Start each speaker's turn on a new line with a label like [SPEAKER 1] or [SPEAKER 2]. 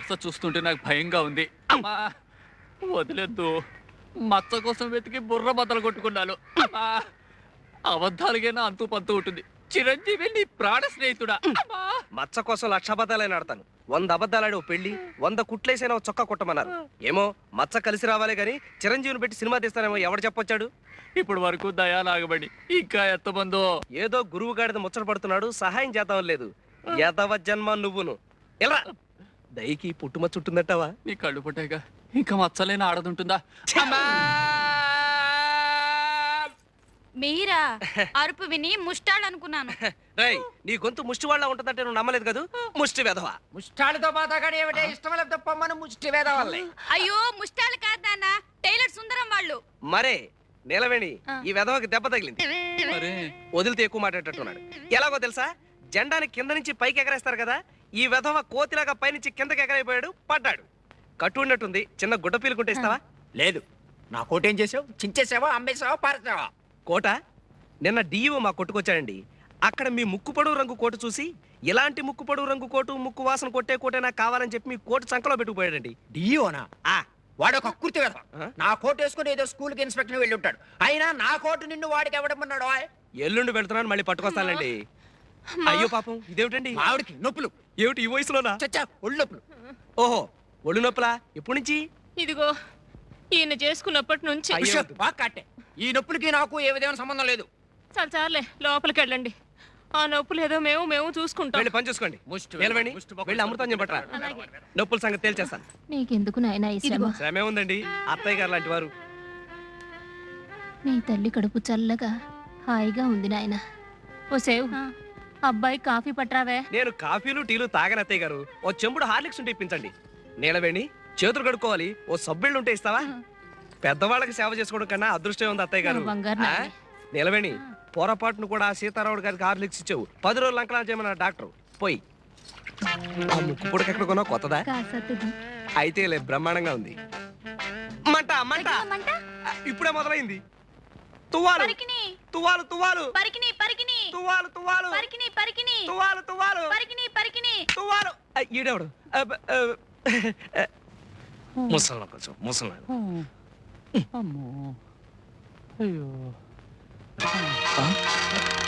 [SPEAKER 1] వరుస చూస్తుంటే నాకు భయంగా ఉంది. అమ్మా వదిలేద్దు. మచ్చ కోసం వెతికి బుర్ర బద్దలు కొట్టుకున్నాను. అమ్మా అబద్ధాలుగైనా అంతూ పంతూ ఉంటుంది. చిరంజీవి నీ ప్రాణ స్నేహితుడా.
[SPEAKER 2] మచ్చ కోసం 1,00,000 అబద్ధాలైనా ఆడతాను. 100 అబద్ధాలాడి ఓ పెళ్లి, 100 కుట్లేసైనా ఓ చొక్కా కుట్టమన్నారు. ఏమో మచ్చ కలిసి రావాలే గాని చిరంజీవిని పెట్టి సినిమా తీస్తానేమో ఎవడు చెప్పొచ్చాడు?
[SPEAKER 1] ఇప్పుడు వరకు దయాలాగబడి ఇంకా ఎంతమందో.
[SPEAKER 2] ఏదో గురువు గాడిద ముచ్చట పడుతున్నాడు, సహాయం చేద్దాం లేదు. యదవ జన్మ నువ్వును. ఎలా దయకి పుట్టుమచ్చ ఉంటుందంటావా?
[SPEAKER 1] నీ కళ్ళు పుట్టాక ఇంకా మచ్చలేని ఆడదుంటుందా?
[SPEAKER 3] మీరా అరుపు విని ముష్టాలనుకున్నాను.
[SPEAKER 2] రేయ్ నీ గొంతు ముష్టి వాళ్ళ ఉంటుందంటే నువ్వు నమ్మలేదు కదా. ముష్టి వెధవా.
[SPEAKER 4] ముష్టాలతో పాతగాడు ఏమిటే ఇష్టం లేకపోతే పొమ్మను ముష్టి వేద వల్లే.
[SPEAKER 3] అయ్యో ముష్టాలు కాదు నాన్న, టైలర్ సుందరం వాళ్ళు.
[SPEAKER 2] మరే నీలవేణి ఈ వెధవకి దెబ్బ తగిలింది.
[SPEAKER 1] మరే
[SPEAKER 2] వదిలితే ఎక్కువ మాట్లాడేటట్టున్నాడు. ఎలాగో తెలుసా, జెండాని కింద నుంచి పైకి ఎగరేస్తారు కదా, ఈ వెధవ కోతిలాగా పైనుంచి కిందకి ఎగరైపోయాడు, పడ్డాడు. కట్టు ఉన్నట్టుంది, చిన్న గుడ్డ పీలుకుంటే ఇస్తావా?
[SPEAKER 4] లేదు, నా కోటేం చేసావు? చించేసావా, అమ్మేసావా, పారేసావా?
[SPEAKER 2] కోట నిన్న డిఈఓ మా కొట్టుకొచ్చాడండి. అక్కడ మీ ముక్కు పొడవు రంగు కోటు చూసి, ఇలాంటి ముక్కు పొడవు రంగు కోటు, ముక్కు వాసన కొట్టే కోటే నాకు కావాలని చెప్పి మీ కోటు చంకలో పెట్టుకుపోయాడండి.
[SPEAKER 4] డియోనా? వాడు ఒక కుర్తి వేద. నా కోట్ వేసుకుని ఏదో స్కూల్ కి ఇన్స్పెక్టర్ వెళ్ళి ఉంటాడు. అయినా నా కోటు నిన్ను వాడికి ఎవడమన్నాడు?
[SPEAKER 2] ఎల్లుండి పెడుతున్నాను, మళ్ళీ పట్టుకొస్తానండి. అయ్యో పాపం, ఇదేమిటండి?
[SPEAKER 4] ఆవిడికి నొప్పులు.
[SPEAKER 2] ఏమిటి ఈ వయసులోనా?
[SPEAKER 4] చచ్చా, ఒళ్ళు నొప్పులు.
[SPEAKER 2] ఓహో ఒళ్ళు నొప్పులా? ఎప్పటి నుంచి?
[SPEAKER 5] ఇదిగో ఈయన చేసుకున్నప్పటి నుంచి.
[SPEAKER 2] అయ్యో.
[SPEAKER 4] బాగా కట్టే. ఈ నొప్పులకి నాకు ఏ విధమైన సంబంధం లేదు.
[SPEAKER 5] చాలే లోపలికి వెళ్ళండి. ఆ నొప్పులు ఏదో మేము చూసుకుంటాం.
[SPEAKER 2] వెళ్ళి పని చూసుకోండి. నిలవండి, వెళ్ళి అమృతాంజన్ పట్టరా. నొప్పుల సంగతి తేల్చేస్తాను.
[SPEAKER 6] నీకెందుకు నాయనా ఈ శ్రమ?
[SPEAKER 2] శ్రమే ఉందండి, అత్తయ్య గారు లాంటి వారు.
[SPEAKER 6] నీ తల్లి కడుపు చల్లగా హాయిగా ఉంది నాయన. ఓ సేవ్, అబ్బాయి కాఫీ పట్రావే.
[SPEAKER 2] నేను కాఫీలు టీలు తాగని అత్తయ్య గారు. ఓ చెంబుడు హార్లిక్స్ ఉంటే ఇప్పించండి. నీలవేణి చేతులు కడుక్కోవాలి, ఓ సబ్బిళ్ళు ఉంటే ఇస్తావా? పెద్దవాళ్ళకి సేవ చేసుకోవడం కన్నా అదృష్టం ఉంది అత్తయ్య గారు. నీలవేణి పొరపాటును కూడా సీతారాముడు గారికి హార్లిక్స్ ఇచ్చావు. 10 రోజులు అంకణాలు చేయమన్నా డాక్టర్. పోయి ఆ ముక్కు పొడక ఎక్కడ కొన్నావు? కొత్తదా? అయితే లే, బ్రహ్మాండంగా ఉంది. మంట మంట ఇప్పుడే మొదలైంది. తువ్వాలు తువ్వాలు తువ్వాలు తువ్వాలు తువ్వాలు తువ్వాలు తువ్వాలు తువ్వాలు. ఈడెవడు? ముసలి కొంచెం ముసలి.
[SPEAKER 1] అమ్మో అయ్యో